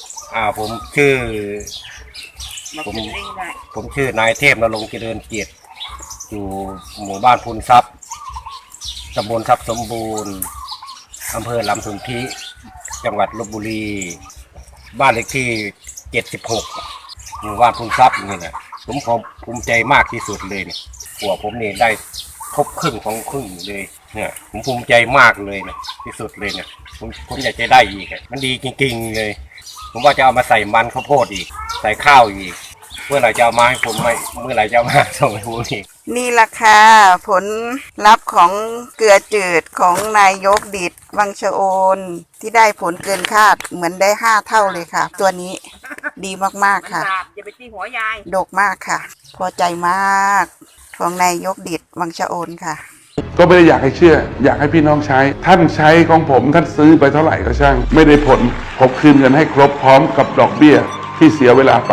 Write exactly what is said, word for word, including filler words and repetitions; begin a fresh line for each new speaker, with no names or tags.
อ่าผมชื่อผมผมชื่อนายเทพนรงค์เจริญเกียรติอยู่หมู่บ้านพูนทรัพย์ตำบลทรัพย์สมบูรณ์อำเภอลำสุนธิจังหวัดลพบุรีบ้านเลขที่เจ็ดสิบหกหมู่บ้านพูนทรัพย์นี่แหละผมภูมิใจมากที่สุดเลยเนี่ยหัวผมนี่ได้ครบครึ่งของครึ่งเลยเนี่ยผมภูมิใจมากเลยเนี่ยที่สุดเลยเนี่ยผมผมอยากจะได้อีกมันดีจริงๆเลยผมว่าจะเอามาใส่มันข้าวโพดอีกใส่ข้าวอีกเมื่อไหร่จะเอามาให้ผมไม่เมื่อไหร่จะเอามาส่งให้ผมอีก
นี่ล่ะค่ะผลลัพธ์ของเกลือจืดของนายกดิษฐ์วังชะโอนที่ได้ผลเกินคาดเหมือนได้ห้าเท่าเลยค่ะตัวนี้ดีมากๆค่ะ
อย่าไปตีหัวยาย
ดกมากค่ะพอใจมากของนายกดิษฐ์วังชะโอนค่ะ
ก็ไม่ได้อยากให้เชื่ออยากให้พี่น้องใช้ท่านใช้ของผมท่านซื้อไปเท่าไหร่ก็ช่างไม่ได้ผลผมคืนเงินให้ครบพร้อมกับดอกเบี้ยที่เสียเวลาไป